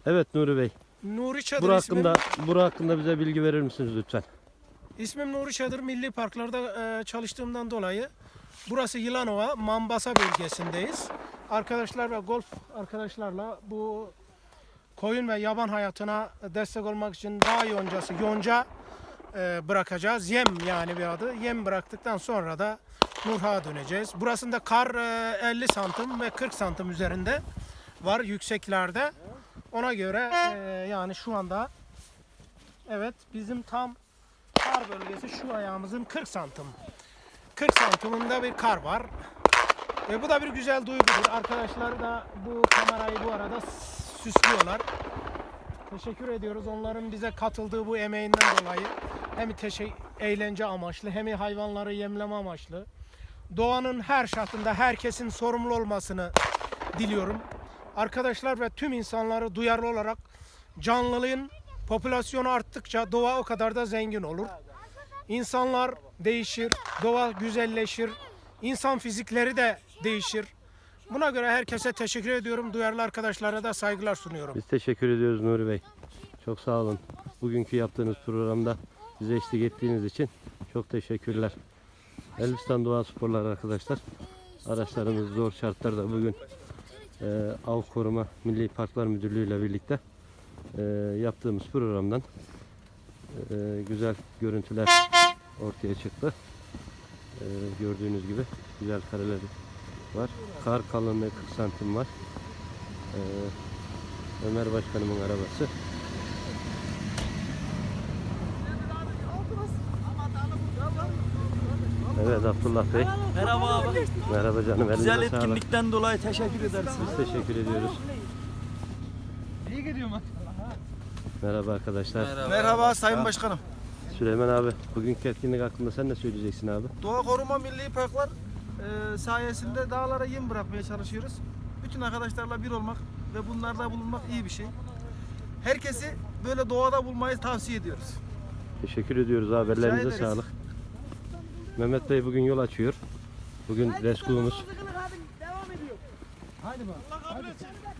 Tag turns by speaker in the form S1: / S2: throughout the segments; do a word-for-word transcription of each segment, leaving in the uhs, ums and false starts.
S1: Evet Nuri Bey.
S2: Nuri Çadır
S1: Bura
S2: ismim.
S1: hakkında, bura hakkında bize bilgi verir misiniz lütfen?
S2: İsmim Nuri Çadır. Milli parklarda e, çalıştığımdan dolayı burası Yılanova, Mambasa bölgesindeyiz. Arkadaşlar ve golf arkadaşlarla bu koyun ve yaban hayatına destek olmak için dağ yoncası, yonca e, bırakacağız. Yem yani bir adı. Yem bıraktıktan sonra da Nurha'ya döneceğiz. Burasında kar e, elli santim ve kırk santim üzerinde var yükseklerde. Ona göre e, yani şu anda evet bizim tam kar bölgesi şu ayağımızın kırk santim. kırk santiminde bir kar var. E, bu da bir güzel duygudur. Arkadaşlar da bu kamerayı bu arada süslüyorlar. Teşekkür ediyoruz onların bize katıldığı bu emeğinden dolayı. Hem teşekkür, eğlence amaçlı hem hayvanları yemleme amaçlı. Doğanın her şartında herkesin sorumlu olmasını diliyorum. Arkadaşlar ve tüm insanları duyarlı olarak canlılığın popülasyonu arttıkça doğa o kadar da zengin olur. İnsanlar değişir, doğa güzelleşir, insan fizikleri de değişir. Buna göre herkese teşekkür ediyorum. Duyarlı arkadaşlara da saygılar sunuyorum.
S1: Biz teşekkür ediyoruz Nuri Bey. Çok sağ olun. Bugünkü yaptığınız programda bize eşlik ettiğiniz için çok teşekkürler. Elbistan Doğa Sporları arkadaşlar. Araçlarımız zor şartlarda bugün e, Av Koruma Milli Parklar Müdürlüğü ile birlikte e, yaptığımız programdan e, güzel görüntüler ortaya çıktı. E, gördüğünüz gibi güzel kareler var. Kar kalınlığı kırk santim var. E, Ömer Başkanımın arabası. Evet Abdullah Bey.
S3: Merhaba abi.
S1: Merhaba canım.
S3: Güzel
S1: Elinize sağlık.
S3: etkinlikten dolayı teşekkür ederiz.
S1: Biz teşekkür ediyoruz.
S3: İyi gidiyor mu?
S1: Merhaba arkadaşlar.
S3: Merhaba,
S4: Merhaba Sayın Başkanım.
S1: Süleyman abi, bugünkü etkinlik hakkında sen ne söyleyeceksin abi?
S4: Doğa Koruma Milli Parklar e, sayesinde dağlara yem bırakmaya çalışıyoruz. Bütün arkadaşlarla bir olmak ve bunlarda bulunmak iyi bir şey. Herkesi böyle doğada bulmayı tavsiye ediyoruz.
S1: Teşekkür ediyoruz abi.
S4: Rica
S1: Ellerinize
S4: ederiz.
S1: sağlık. Mehmet Bey bugün yol açıyor. Bugün reskuğumuz.
S4: Haydi bak. Hadi.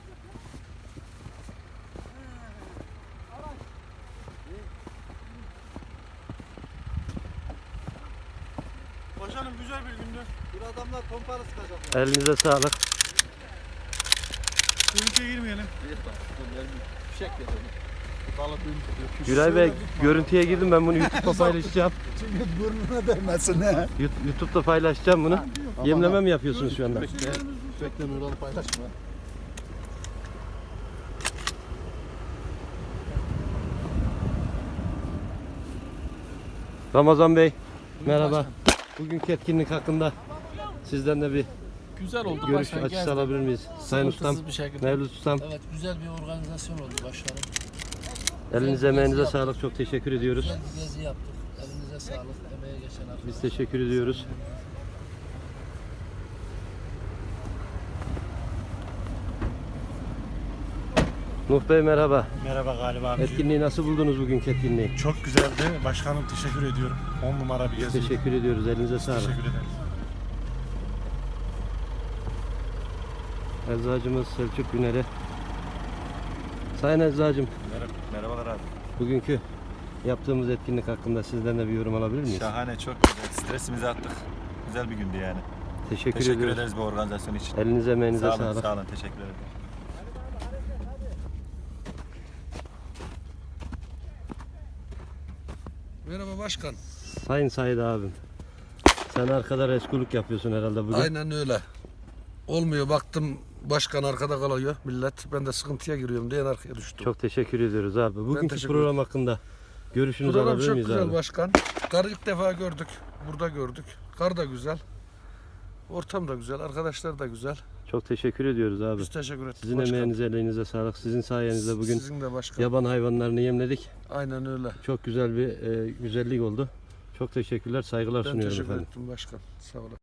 S4: Başkanım güzel bir gündü. Bir adamlar pompalı sıkacak.
S1: Elinize sağlık.
S4: Görüntüye girmeyelim.
S1: Güray Bey, görüntüye girdim, ben bunu YouTube'da paylaşacağım.
S5: Çünkü burnuna değmesin he.
S1: YouTube'da paylaşacağım bunu. Yemleme mi yapıyorsunuz şu anda?
S5: Bekle, bekle Nurhan'ı paylaşma.
S1: Ramazan Bey, merhaba. Bugünkü etkinlik hakkında sizden de bir
S6: Güzel oldu
S1: görüş
S6: başkanım.
S1: açısı
S6: Gezdim.
S1: alabilir miyiz? Sayın Ustam,
S6: Sıkıntısız bir şekilde.
S1: Mevlüt Ustam,
S6: Evet, güzel bir organizasyon oldu başkanım.
S1: elinize emeğinize
S6: Gezi
S1: sağlık, çok teşekkür ediyoruz.
S6: Güzel bir gezi yaptık. Elinize sağlık. Emeğe geçen arkadaşlar.
S1: Biz teşekkür ediyoruz. Nuh Bey merhaba.
S7: Merhaba galiba abi.
S1: Etkinliği nasıl buldunuz bugünkü etkinliği?
S7: Çok güzeldi. Başkanım teşekkür ediyorum. on numara bir gezi.
S1: Teşekkür ediyoruz. Elinize sağlık.
S7: Teşekkür ederiz.
S1: Eczacımız Selçuk Güner'e. Sayın Eczacım,
S8: Merhaba, merhabalar abi.
S1: bugünkü yaptığımız etkinlik hakkında sizden de bir yorum alabilir miyiz?
S8: Şahane, çok güzel. Stresimizi attık. Güzel bir gündü yani.
S1: Teşekkür,
S8: Teşekkür
S1: ediyoruz.
S8: ederiz bu organizasyon için.
S1: Elinize emeğinize
S8: Sağ olun,
S1: sağlık.
S8: sağ olun. Teşekkür ederim.
S9: Merhaba başkan.
S1: Sayın Said abim. Sen arkada reskuluk yapıyorsun herhalde bugün.
S9: Aynen öyle. Olmuyor baktım başkan arkada kalıyor millet. Ben de sıkıntıya giriyorum diye arkaya düştüm.
S1: Çok teşekkür ediyoruz abi. Bugünkü
S9: teşekkür
S1: program hakkında görüşünüzü
S9: Program
S1: alabilir
S9: çok
S1: miyiz
S9: güzel
S1: abi?
S9: başkan. Karı ilk defa gördük. Burada gördük. Kar da güzel. Ortam da güzel. Arkadaşlar da güzel.
S1: Çok teşekkür ediyoruz abi.
S9: Biz teşekkür ettik
S1: Sizin
S9: başkan.
S1: emeğinize, elinize sağlık. Sizin sayenizde bugün
S9: Sizin de başkan.
S1: yaban hayvanlarını yemledik.
S9: Aynen öyle.
S1: Çok güzel bir e, güzellik oldu. Çok teşekkürler, saygılar
S9: Ben
S1: sunuyorum
S9: teşekkür
S1: efendim.
S9: ettim başkan. Sağ olun.